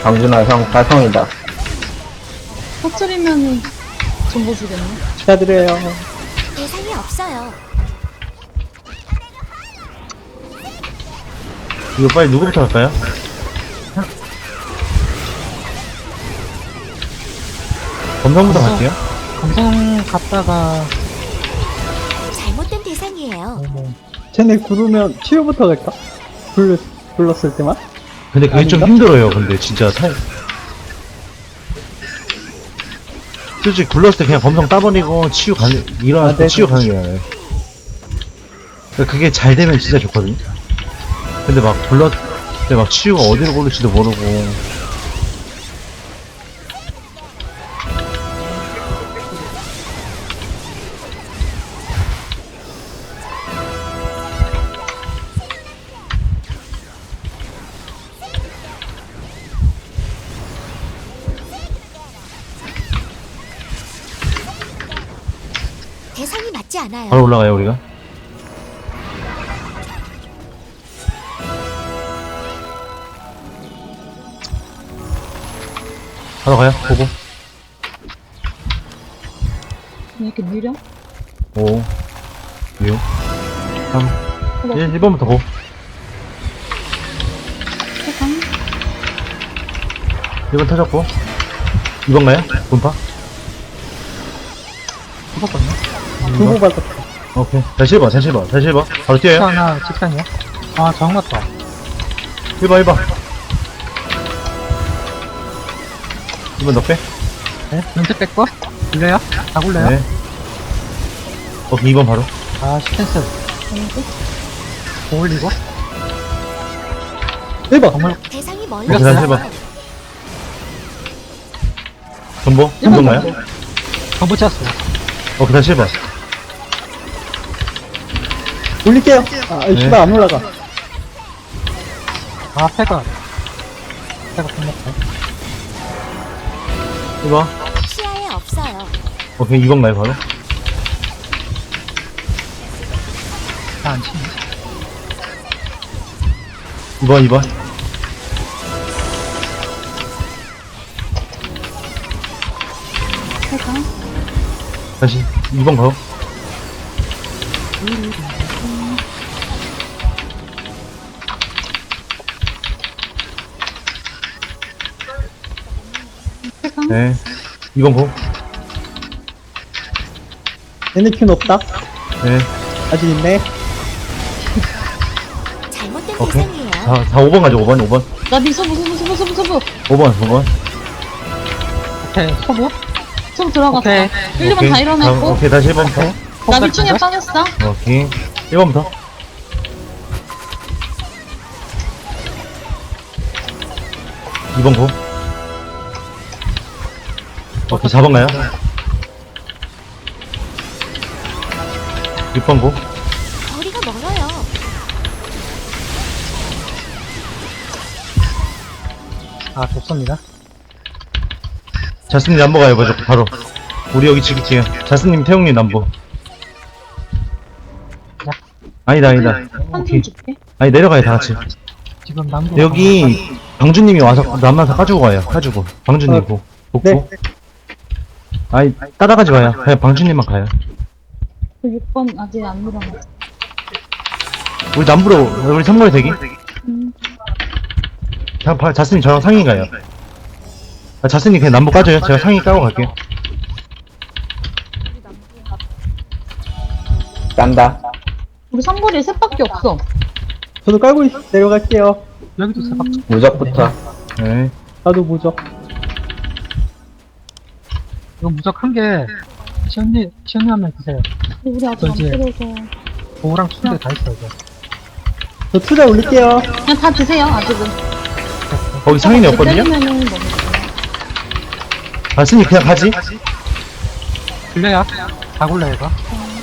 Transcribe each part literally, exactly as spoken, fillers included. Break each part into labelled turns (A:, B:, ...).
A: 강준아 형 달성이다.
B: 터트리면은 정보 주겠네.
C: 축하드려요.
D: 대상이 없어요.
E: 이거 빨리 누구부터 할까요? 검성부터 갈게요.
C: 검성 갔다가
D: 잘못된 대상이에요.
C: 어머. 쟤네 구르면 치유부터 갈까? 불렀, 불렀을 때만?
E: 근데 그게 좀
C: 아닌가?
E: 힘들어요. 근데 진짜 타 솔직히 굴렀을 때 그냥 검성 따버리고 치유 가는 일어나서
C: 아, 네.
E: 치유 가는 게 나아요. 그러니까 그게 잘 되면 진짜 좋거든요. 근데 막 굴렀을 때 막 치유가 어디로 고를지도 모르고
D: 대상이 맞지 않아요.
E: 바로 올라가요 우리가. 바로 가요. 보고.
B: 왜 이렇게 느려?
E: 오, 육, 삼, 일, 일 번부터 고.
B: 세상.
E: 일 번 터졌고. 이 번 가요? 분파?
C: 두고 받았다.
E: 오케이. 다시 일 번, 다시 일 번, 다시 일 번. 바로 뛰어요.
C: 하나 직상이야? 아, 정 맞다.
E: 일 번, 일 번. 일 번 넣게.
C: 네? 연습 뺄거? 굴려요? 다 굴려요?
E: 네. 오케이, 이 번 바로.
C: 아, 스탠스.
B: 아니지?
C: 올리고. 일 번. 정말
D: 대상이
E: 오케이,
D: 멀리
E: 다시 일 번.
D: 있어요.
E: 전보? 전보 가요?
C: 정보 찾았어요.
E: 오케이, 다시 일 번.
C: 올릴게요. 아,
E: 네.
C: 씨발 안 올라가. 아, 패가. 패가 끝났다.
E: 일 번.
D: 시야에 없어요.
E: 오케이, 이 번 가요, 바로.
C: 다안 치네.
E: 이 번, 이 번.
B: 세상.
E: 다시 이 번 가요.
B: 세상.
E: 네. 이 번 고.
C: 얘네 큐는 없다.
E: 네.
C: 아직 있네.
D: 잘못된
E: 오케이.
D: 대상이에요.
E: 사, 사, 오 번 가죠, 오 번, 오 번.
B: 나니 서부 서부 서부 서부 서부.
E: 오 번, 오 번.
C: 오케이. 소부?
B: 서부 들어갔어.
C: 오케이.
B: 일, 이 번 다 일어났고.
E: 오케이, 다시 일 번부터.
B: 나 미충에 빠졌어.
E: 오케이. 일 번부터. 이 번 고. 오케이, 사 번 가요. 육 번 고.
D: 거리가 멀어요.
C: 아, 좋습니다.
E: 자스님 남보 가요, 먼저, 바로. 우리 여기 지키지요. 자스님, 태용님 남보. 아니다, 아니다. 오케이.
B: 한숨 줄게.
E: 아니, 내려가요, 다 같이.
C: 지금 남부.
E: 여기, 방주님이 와서 남만사 까주고 가요. 까주고. 방주님
C: 어,
E: 고. 복고.
C: 네.
E: 아니, 따라가지 마요. 그냥 방주님만 가요.
B: 그 육 번 아직 안 일어났어.
E: 우리 남부로, 우리 삼 번에 대기.
B: 음.
E: 자, 바- 자스님 저랑 상의 가요. 아, 자스님 그냥 남부 까줘요. 제가 상의 까고 갈게요.
A: 깐다.
B: 우리 삼거리에 셋밖에 없어.
C: 저도 깔고 있, 내려갈게요. 여기도 세 바퀴.
A: 무적부터.
E: 네.
C: 나도 무적. 이거 무적 한 개, 시연님, 시연님 한 명 드세요.
B: 우리 아직 안
C: 이제-
B: 들어서.
C: 보호랑 투대 다 있어, 이거. 저 투대 올릴게요.
B: 그냥 다 드세요, 아직은.
E: 거기 상인이 없거든요?
B: 때리면은 너무
E: 자스님 그냥 가지?
C: 굴려요. 다 굴려요, 이거.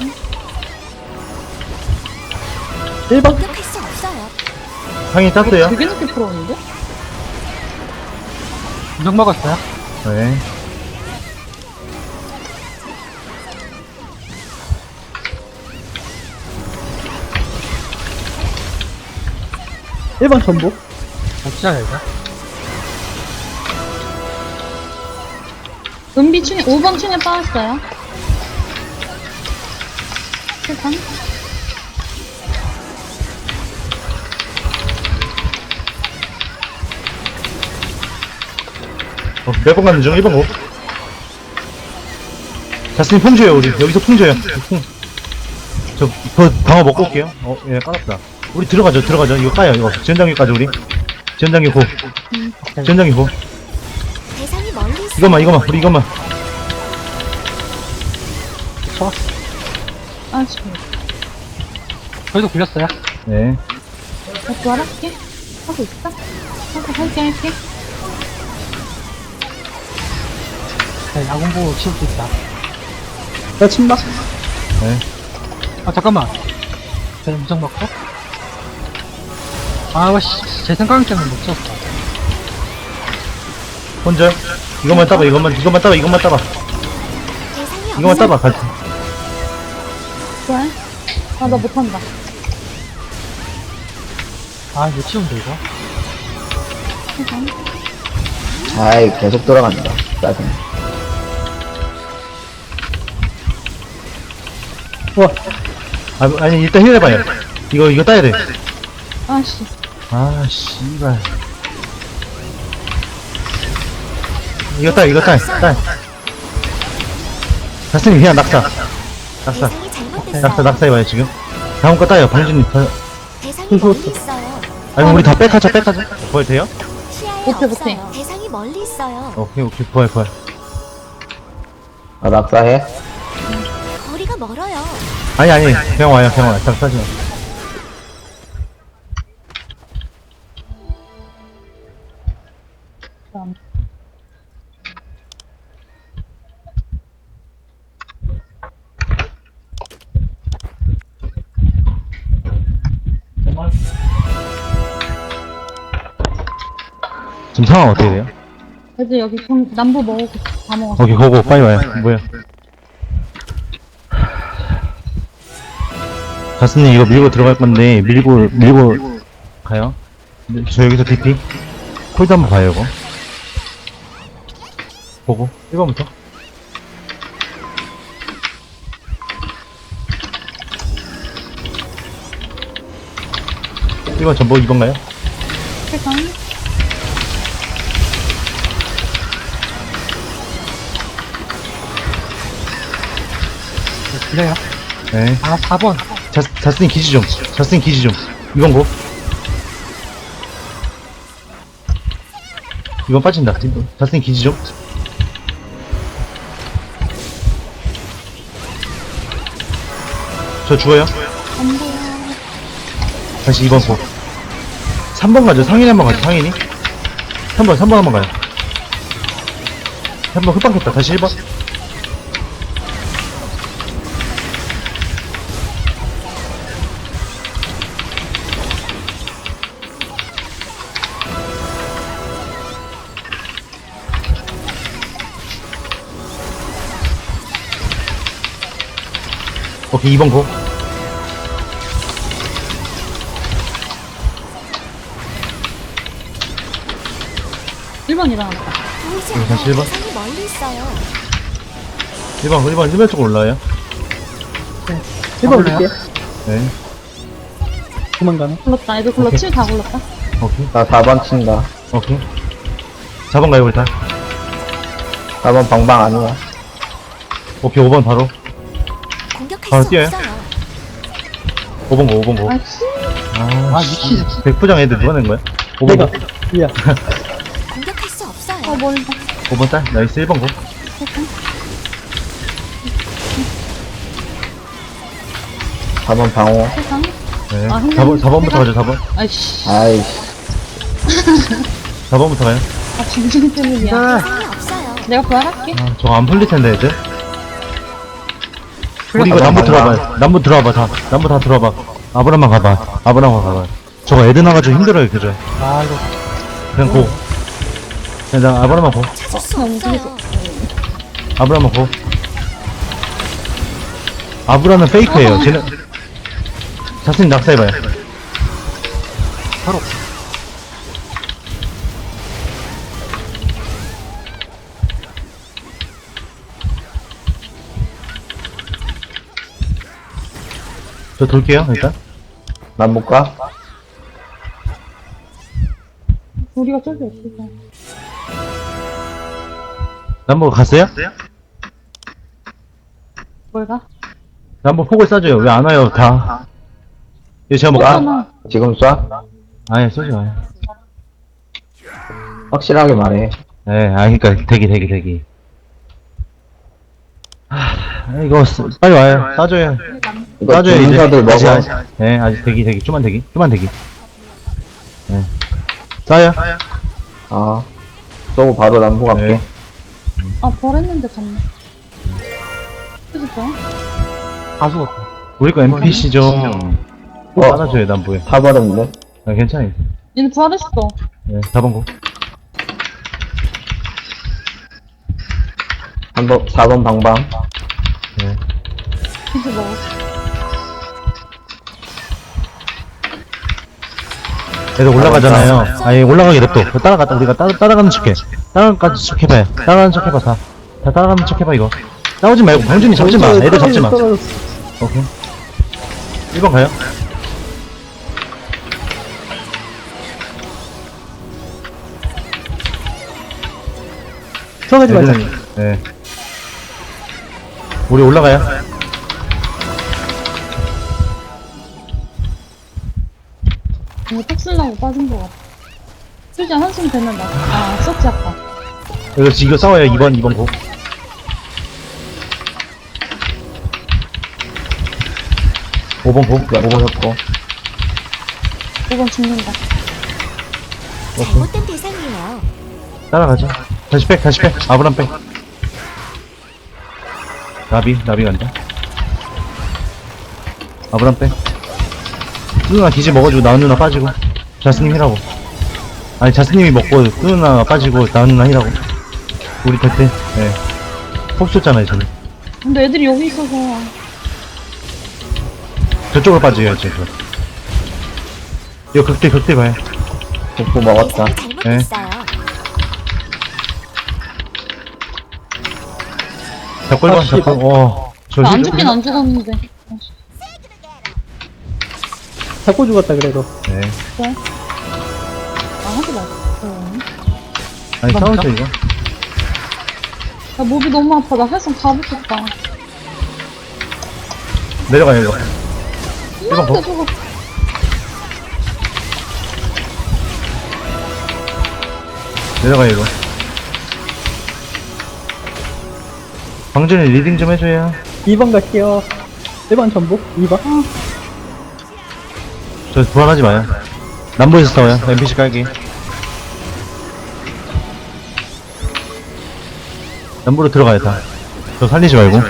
C: 일 번.
D: 공격할 수 없어요.
E: 상의 땄어요.
B: 되게 늦게 풀었는데?
C: 무적 먹었어요.
E: 네.
C: 일 번 전복. 어찌야, 이거?
B: 은비 충에, 오 번 충에 빠졌어요. 일단.
E: 어, 몇 번 가는 중? 일 번 고. 자스님 풍 줘요, 우리. 여기서 풍 줘요. 풍. 저, 그, 방어 먹고 올게요. 어, 예, 까놨다. 우리 들어가죠, 들어가죠. 이거 까요, 이거. 지연장기까지 우리. 지연장기 고. 지연장기 고.
D: 대상이 멀리 있어요.
E: 이것만, 이것만, 우리 이것만.
C: 쳐.
B: 아, 지금.
C: 저희도 굴렸어요.
E: 네.
B: 나 부활할게. 하고 있어? 하고 할게, 할게.
C: 네, 야구부 치울 수 있다. 나 침박.
E: 네.
C: 아, 잠깐만. 제 무정 맞고. 아, 씨, 제 생각 때문에 못 쳤어.
E: 혼자. 이것만 따봐, 이것만, 이것만 따봐, 이것만 따봐.
D: 대상이
E: 이것만
D: 없어요.
E: 따봐, 같이.
B: 부활? 아, 나 못한다.
C: 아, 이거 치우면 돼, 이거.
B: 일단.
A: 아이, 계속 돌아간다. 짜증.
C: 우와.
E: 아, 아니, 일단 힐해봐요. 이거, 이거 따야 돼.
B: 아씨.
E: 아, 씨발. 이거 따, 이거 따, 따. 자스님 그냥 낙사. 낙사.
D: 대상이 잘못됐어요.
E: 낙사, 낙사 해봐요, 지금. 다음 거 따요, 방준님. 다-
D: 대상이 멀리 있어요.
E: 아니, 우리 다 백하자, 백하자. 부활 돼요?
D: 시야에
B: 못해,
D: 없어요.
B: 못해.
D: 대상이 멀리 있어요.
E: 오케이, 오케이, 부활, 부활.
A: 아, 낙사해?
D: 거리가 멀어요.
E: 아니, 아니, 그냥 와요, 그냥 와요. 낙사지 마.
B: 그럼.
E: 지금 상황 어떻게 돼요?
B: 그래도 여기 경, 남부 먹고 다 먹었어.
E: 오케이, 고고, 빨리 와요. 뭐야. 자스님 이거 밀고 들어갈 건데, 밀고, 밀고 가요. 저 여기서 디피. 콜도 한번 봐요, 이거. 보고, 일 번부터. 일 번 전보 이 번 가요?
B: 일단.
C: 네, 굴려요.
E: 네.
C: 아, 사 번.
E: 자, 자스님 기지 좀. 자스님 기지 좀. 이 번 고. 이번 빠진다. 자스님 기지 좀. 저 죽어요.
B: 안 보여.
E: 다시 이 번 고. 삼 번 가죠. 상인이 한번 가죠. 상인이. 삼 번, 삼 번 한번 가요. 삼 번 흡방했다. 다시 일 번. 오케이, 이 번 고.
B: 일 번 일어났다.
D: 보이지
E: 네,
D: 않아요.
E: 다시 일 번.
D: 대상이 멀리 있어요.
E: 일 번, 일 번, 일 번 쪽으로 올라와요.
C: 일 번 올릴게요.
E: 네.
C: 도망가네.
B: 굴렀다. 애들 굴렀,
E: 오케이.
B: 칠 다 굴렀다.
E: 오케이.
A: 나 사 번 친다.
E: 오케이. 사 번 가요, 우리 다.
A: 사 번 방방 아니야.
E: 오케이, 오 번 바로.
D: 공격할
E: 바로
D: 수
E: 뛰어요?
D: 없어요.
E: 오 번 고, 오 번 고.
B: 아, 씨.
E: 아,
C: 아,
E: 씨.
C: 미친.
E: 백부장 애들 누가 낸 거야? 오 번
C: 내가.
E: 고.
C: 야.
D: 공격할 수 없어요.
B: 아, 멀다.
E: 오 번 딸. 나이스, 일 번 고.
A: 사 번 방어.
B: 세상.
E: 네.
B: 아,
E: 사 번, 사 번부터
B: 해가-
E: 가죠, 사 번.
B: 아이씨.
A: 아이씨.
E: 사 번부터 가요.
B: 아, 중심 때문이야.
D: 대상이 없어요.
B: 내가 부활할게.
E: 아, 저거 안 풀릴 텐데, 애들. 우리 이거
A: 풀렸다,
E: 남부
A: 방방.
E: 들어와봐요. 남부 들어와봐, 다. 남부 다 들어와봐. 아브라만 가봐. 아브라만 가봐. 저거 애들 나가지고 힘들어요, 그죠?
C: 아, 이거.
E: 그냥 고. 그냥 나 아브라만 고.
D: 찾을 수
B: 너무
D: 없어요.
E: 아브라만 고. 아브라는 페이크예요. 쟤는 자스님 낙사해봐요.
C: 바로.
E: 저 돌게요, 일단.
A: 난 못 가?
B: 우리가 저기 없어서.
E: 남부 갔어요?
B: 뭘 가?
E: 남부 폭을 쏴줘요. 왜 안 와요, 다. 이거 제가 뭐, 아,
B: 쏘잖아.
A: 지금 쏴?
E: 아예 쏘지 마요.
A: 확실하게 말해.
E: 예, 아, 그니까, 대기, 대기, 대기. 하, 이거, 쓰- 빨리 와요. 쏴줘요.
A: 이거
E: 쏴줘요, 이제.
A: 주문서들
E: 아직,
A: 먹어.
E: 아직, 예, 아직 대기, 대기. 좀만 대기. 좀만 대기. 예. 쏴요.
A: 아. 쏘고 바로 남부 갈게.
E: 네.
B: 아, 버렸는데 갔네. 그지, 봐?
C: 다 죽었다.
E: 우리 거 엠피씨 좀,
A: 어.
E: 따라줘요, 남부에.
A: 다 버렸는데?
E: 아, 괜찮아요.
B: 얘는 부활했어.
E: 예, 사 번 고.
A: 한 번, 사 번 방방.
E: 예.
B: 이제 먹었어.
E: 애들 올라가잖아요. 아예 올라가게 냅둬. 그거 따라갔다, 우리가 따라, 따라가는 척 해. 따라가는 척 해봐요. 따라가는 척 해봐, 다. 다 따라가는 척 해봐, 이거. 싸우지 말고, 병준이 잡지 마. 애들 잡지 마.
C: 떨어졌어.
E: 오케이. 일 번 가요.
C: 들어가지 말자.
E: 애들은, 예. 우리 올라가요.
B: 이거 톡 쓰려고 빠진 거 같아. 솔직히 한숨 되면 나. 아, 썼지, 아까.
E: 이거, 이거 싸워요. 이 번, 이 번 고. 오 번 고. 오 번 고.
B: 오 번 죽는다.
D: 잘못된 대상이에요.
E: 따라가자. 다시 백, 다시 백. 아브람 백. 나비, 나비 간다. 아브람 백. 누나 기지 먹어주고 나은 누나 빠지고. 자스님 히라고. 아니, 자스님이 먹고 누나 빠지고 나은 누나 히라고. 우리 그때, 예. 폭 쏘잖아요, 저는.
B: 근데 애들이 여기 있어서.
E: 저쪽으로 빠져야지, 저. 이거 극대, 극대 봐요.
A: 복부 먹었다.
D: 대상이 잘못됐어요.
E: 잡고 일 번,
C: 아, 씨.
E: 잡고, 어. 저
B: 나 안
E: 힐-
B: 죽긴 안 죽었는데.
C: 잡고 죽었다, 그래도.
E: 네.
B: 아, 하지 마. 어.
E: 아니, 싸우죠, 이거.
B: 나 목이 너무 아파. 나 활성 다 붙었다.
E: 내려가요, 이거. 번 더.
B: 이만한데 저거.
E: 내려가요, 이거. 방준이 리딩 좀 해줘요.
C: 이 번 갈게요. 일 번 전복, 이 번.
E: 저 불안하지 마요. 남부에서 싸워요. 엠피씨 깔기. 남부로 들어가요, 다. 저 살리지 말고.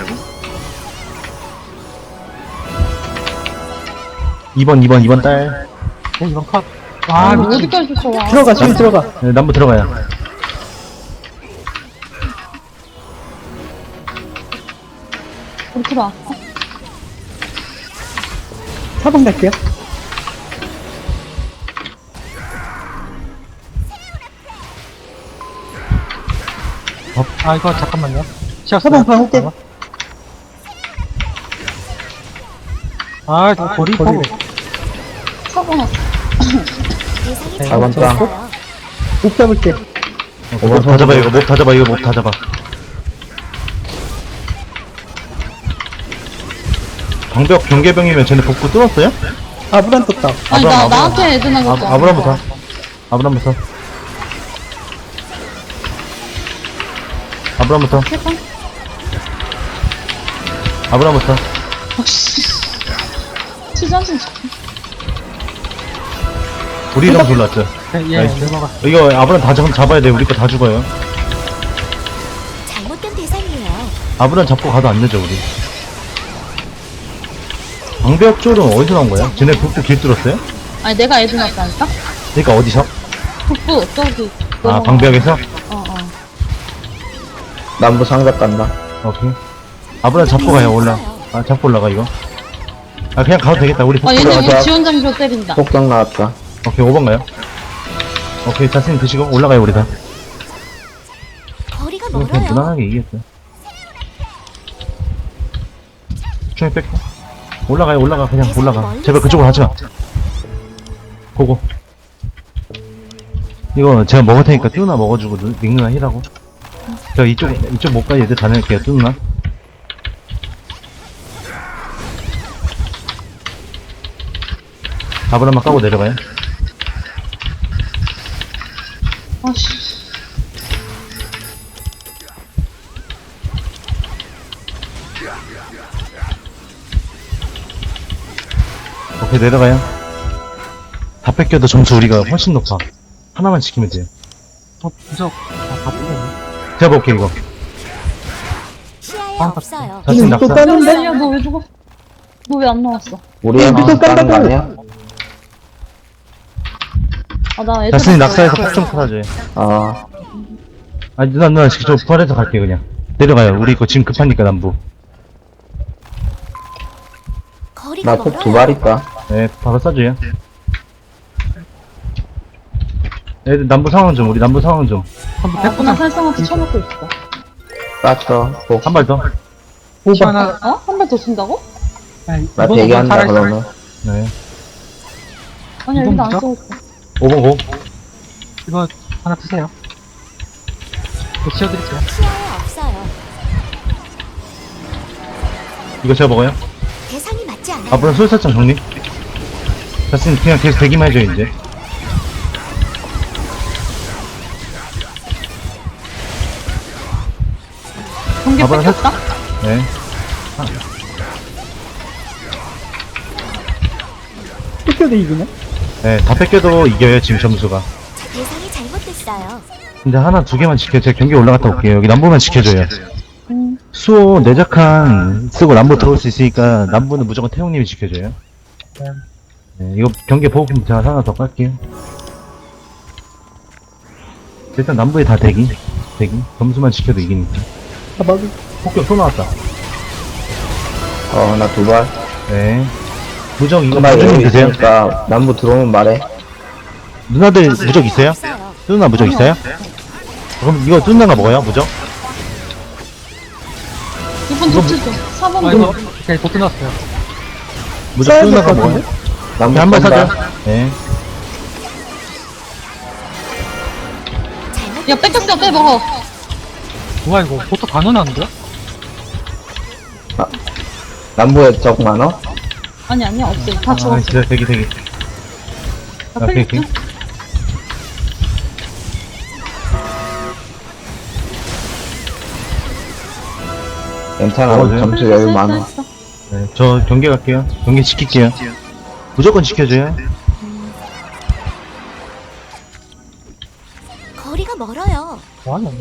E: 이 번, 이 번, 이 번 딸.
C: 어, 이 번 컷.
B: 아,
C: 아,
B: 이거
C: 미친.
B: 어디까지 쫓아와.
C: 들어가, 지금 들어가.
E: 네, 남부 들어가요.
B: 우리 들어와.
C: 사 번 갈게요.
F: 아 이거 잠깐만요.
C: 사 번 방울게.
F: 아 이거 고리
C: 거리.
F: 포
B: 사고 났어.
D: 대상이
F: 네,
A: 사 번 땅.
D: 잘못됐어요.
C: 목 잡을게.
E: 어, 몹다 잡아, 이거. 몹다 잡아, 이거. 몹다 잡아. 방벽 경계병이면 쟤네 복구 뚫었어요?
C: 아브란 떴다.
B: 아니,
E: 아브람,
B: 나,
E: 아브람.
B: 나한테 애들
E: 아,
B: 나갔어.
E: 아브람부터. 아브람부터. 아브람부터.
B: 해봐.
E: 아브람부터.
B: 치장신
E: 우리 이름 불렀죠.
F: 예,
E: 나이스.
F: 넘어가.
E: 이거 아브람 다 잡, 잡아야 돼. 우리 거 다 죽어요.
D: 잘못된 대상이에요.
E: 아브람 잡고 가도 안 되죠, 우리. 방벽 쪽은 어디서 나온 거야? 쟤네 북부 길 뚫었어요?
B: 아니, 내가 애들 났다니까?
E: 그니까 어디서?
B: 북부, 저기.
E: 아,
B: 넘어가.
E: 방벽에서?
B: 어, 어.
A: 남부 상작 간다.
E: 오케이. 아브람 잡고 가요, 올라. 아, 잡고 올라가, 이거. 아, 그냥 가도 되겠다. 우리
B: 아,
E: 북부
B: 얘네
E: 올라가자.
B: 우리 지원장교 때린다.
A: 폭격 나왔다.
E: 오케이, 오 번 가요. 오케이, 자스님 드시고 올라가요, 우리 다.
D: 거리가
E: 이거 그냥
D: 멀어요.
E: 무난하게 이겼어요. 중에 뺄게. 올라가요, 올라가. 그냥
D: 대상이
E: 올라가.
D: 멀리
E: 제발 그쪽으로 하지 마. 고고. 이거 제가 먹을 테니까 뚜누나 먹어주고 누- 닉누나 힐하고. 저 이쪽, 이쪽 못 가 얘들 다녀올게요, 뚜누나. 밥을 한번 까고 내려가요.
B: 아씨.
E: 오케이, 내려가요. 다 뺏겨도 점수 우리가 훨씬 높아. 하나만 지키면 돼요.
F: 어, 부적. 아, 다 뜯었네.
E: 제가 볼게, 이거.
D: 시야에
F: 아,
D: 없어요.
E: 자신
C: 또
E: 낙사.
C: 따는데?
B: 야, 너 왜 죽어? 너 왜 안 나왔어?
A: 우리
C: 야,
A: 한
C: 미소
A: 따는 거
C: 깐다고.
A: 아니야?
B: 아, 나 애들.
E: 자신이 낙사해서 폭좀 찾아줘요.
A: 아,
E: 아, 누나, 누나, 저 부활해서 갈게요, 그냥. 내려가요. 우리 이거 지금 급하니까, 남부.
D: 거리가
A: 나 톱 두
D: 멀어요.
A: 발 있다.
E: 네, 바로 쏴줘요. 애들 남부 상황 좀, 우리 남부 상황 좀.
F: 한번
B: 아, 나
F: 백분한
B: 살상한테 쳐먹고 있어.
A: 땄어. 복.
E: 한 발 더.
F: 시 하나.
B: 어? 한 발 더 준다고?
F: 아니,
A: 나
F: 이번
A: 대기한다,
F: 살아있어요.
A: 그러면.
E: 네.
B: 아니야,
F: 이건
B: 여기도 안
F: 뭐죠?
B: 써있어.
E: 오 번 고.
F: 이거 하나 드세요. 이거 치워드릴게요.
D: 시야에 없어요.
E: 이거 제가 먹어요.
D: 대상이 맞지 않아요.
E: 앞으로 술사장 정리. 자신 그냥 계속 대기만 해줘, 이제.
B: 경계
E: 가봐라,
B: 뺏겼다?
E: 네.
C: 뜯겨도 이기네?
E: 네, 다 뺏겨도 이겨요, 지금 점수가.
D: 대상이 잘못됐어요.
E: 근데 하나, 두 개만 지켜. 제가 경기 올라갔다 올게요. 여기 남부만 지켜줘요.
B: 응.
E: 수호 내작한 쓰고 남부 들어올 수 있으니까 남부는 무조건 태용님이 지켜줘요. 네, 이거 경기 보호품 제가 하나 더 깔게요. 일단 남부에 다 대기. 대기. 점수만 지켜도 이기니까.
C: 아, 맞아.
E: 폭격 또 나왔다.
A: 어, 나 두 발.
E: 네. 무적 이거
A: 나
E: 무적님
A: 여기
E: 드세요?
A: 있으니까 남부 들어오면 말해.
E: 누나들 무적 있어요?
D: 없어요.
E: 누나 무적 있어요? 그럼 이거 누나가 먹어요, 무적?
B: 이번
E: 이거
B: 도치죠. 사 번
F: 아,
B: 도.
F: 이거, 오케이, 도 끝났어요.
E: 무적
C: 써야 될
E: 누나가
C: 것
E: 먹어요?
C: 같은데?
A: 남부
E: 한발
A: 쏜다.
E: 사죠. 네.
D: 잘못.
B: 야, 뺏겼어, 빼 먹어.
F: 뭐야, 이거. 보통 다 넣어놨는데?
A: 남부에 적 많어?
B: 아니, 아니야, 없어. 다
E: 아,
B: 죽었어.
E: 진짜 대기, 대기.
B: 나
E: 오케이,
B: 풀렸지?
E: 오케이.
A: 괜찮아,
E: 어,
A: 우리
E: 네.
A: 점수 여유 많아.
B: 했어.
E: 네, 저 경기 갈게요. 경기 지킬게요. 무조건 지켜줘요.
D: 거리가 멀어요.
F: 뭐하냐,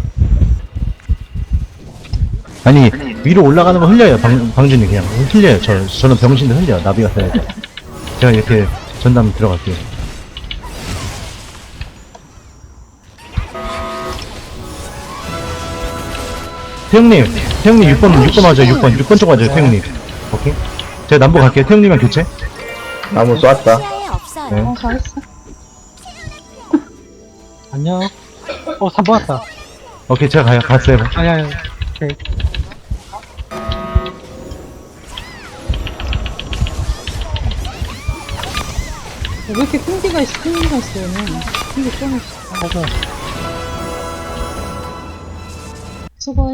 E: 아니, 위로 올라가는 거 흘려요, 방, 방준이 그냥. 흘려요. 저, 저는 병신도 흘려요. 나비가 써야 돼. 제가 이렇게 전담 들어갈게요. 태형님, 태형님 육 번, 육 번 맞아요, 육 번. 육 번 쪽 맞아요, 태형님. 오케이. 제가 남부 갈게요. 태형님이랑 교체.
A: 나무 쐈다.
D: 시야에 없어요.
E: 네.
B: 어, 잘했어.
F: 안녕. 어, 삼 번 왔다.
E: 오케이, 제가 가요. 갔어요.
F: 아니, 아니, 오케이.
B: 왜 이렇게 끈기가 있어, 끈기가 있어, 얘는. 끈기 좀 있어.
F: 맞아.
B: 수고해.